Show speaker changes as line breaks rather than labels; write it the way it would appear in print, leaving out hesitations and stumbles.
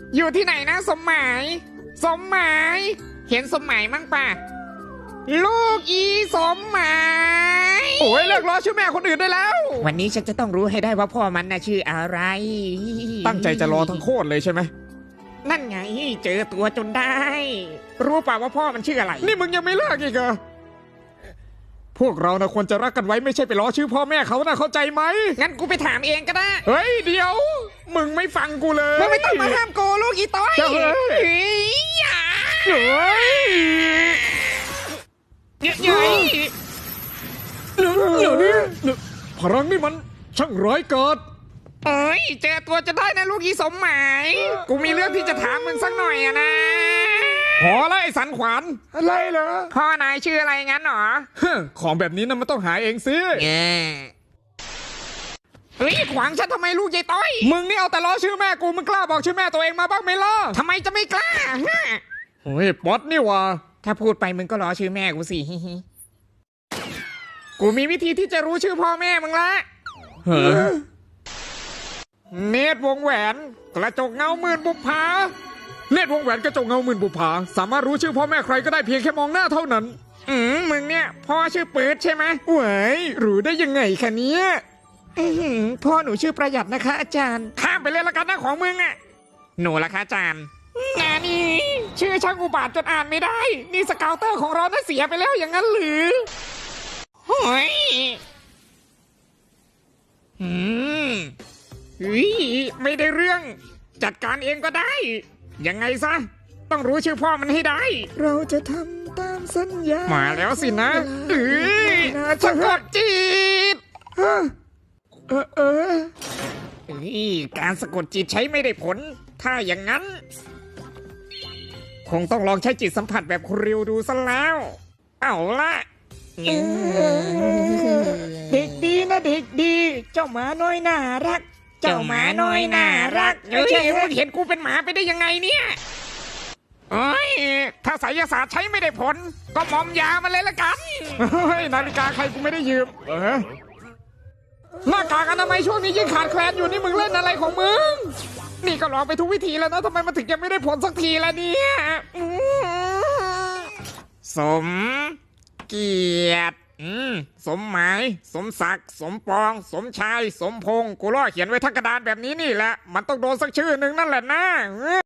อยู่ที่ไหนนะสมหมาย สมหมาย เห็นสมหมายมั้งป่ะ ลูกอีสมหมาย
โอ้ยเลิกล้อชื่อแม่คนอื่นได้แล้ว
วันนี้ฉันจะต้องรู้ให้ได้ว่าพ่อมันน่ะชื่ออะไร
ตั้งใจจะรอทั้งโคตรเลยใช่ไหม
นั่นไงเจอตัวจนได้ รู้ป่าว่าพ่อมันชื่ออะไร
นี่มึงยังไม่เลิกอีกเหรอพวกเรานะควรจะรักกันไว้ไม่ใช่ไปล้อชื่อพ่อแม่เขานะเข้าใจไหม
งั้นกูไปถามเองก็ได้
เฮ้ยเดี๋ยว มึงไม่ฟังกูเลย
ไม่ต้องมาห้ามโกลูกอีต้อย
เจ้าเฮ้ย
เฮ้ยอย่า
เฮ้ย
เย้ย
เดี๋ยวนี้พลังนี่มันช่างร้ายกาจ
เอ้ยเจอตัวจะได้นะลูกอีสมหมาย กูมีเรื่องที่จะถามมึงสักหน่อยอะนะ
พอแล้วไอ้สันขวานอะไรเหรอ
พ่อนายชื่ออะไรงั้นหรอ
ของแบบนี้นะมันต้องหาเองสิ
เฮ้ยขวางฉันทำไมลูกยายต้อย
มึงนี่เอาแต่ล้อชื่อแม่กูมึงกล้าบอกชื่อแม่ตัวเองมาบ้างไหมล่ะ
ทำไมจะไม่กล้าฮะ
โอ้ยป๊อตนี่วะ
ถ้าพูดไปมึงก็ล้อชื่อแม่กูสิ กูมีวิธีที่จะรู้ชื่อพ่อแม่มึงละ
เฮ้อ
เนตรวงแหวนกระจกเงาหมื่นบุปผา
เนตรวงแหวนกระจกเงาหมื่นบุปผาสามารถรู้ชื่อพ่อแม่ใครก็ได้เพียงแค่มองหน้าเท่านั้น
มึงเนี่ยพ่อชื่อปื๊ดใช่ไหม
เว้ยรู้ได้ยังไงคะเนี้ย
พ่อหนูชื่อประหยัดนะคะ อาจารย์ข้ามไปเลยละกันนะของมึงอะหนูละคะอาจารย์งานนี้ชื่อช่างอุบาทจนอ่านไม่ได้ นี่สเกาวเตอร์ของเราน่ะเสียไปแล้วอย่างนั้นหรือโอ้ยเฮ้ยไม่ได้เรื่อง จัดการเองก็ได้ ยังไงซะ ต้องรู้ชื่อพ่อมันให้ได้
เราจะทำตามสัญญา
มาแล้วสินะเอ้ยสะกดจิต
เฮ้ย
การสะกดจิตใช้ไม่ได้ผล ถ้าอย่างนั้น คงต้องลองใช้จิตสัมผัสแบบคุณริวดูซะแล้ว เอาละเด็กดีนะเด็กดี เจ้าหมาน้อยน่ารัก เจ้าหมาน้อยน่ารักเฮ้ยมึงเห็นกูเป็นหมาไปได้ยังไงเนี่ยเอ้ยถ้าไสยศาสตร์ใช้ไม่ได้ผล ก็มอมยามาเลยละกัน
เฮ้ยนาฬิกาใครกูไม่ได้ยืมหน้ากากอนามัยช่วงนี้ยิ่งขาดแคลนอยู่นี่มึงเล่นอะไรของมึง
นี่ก็ลองไปทุกวิธีแล้วนะทำไมมันถึงยังไม่ได้ผลสักทีล่ะเนี่ยสมเกียรติสมหมาย สมศักดิ์สมปอง สมชาย สมพงศ์กูล่อเขียนไว้ทั้งกระดานแบบนี้นี่แหละ มันต้องโดนสักชื่อหนึ่งนั่นแหละนะ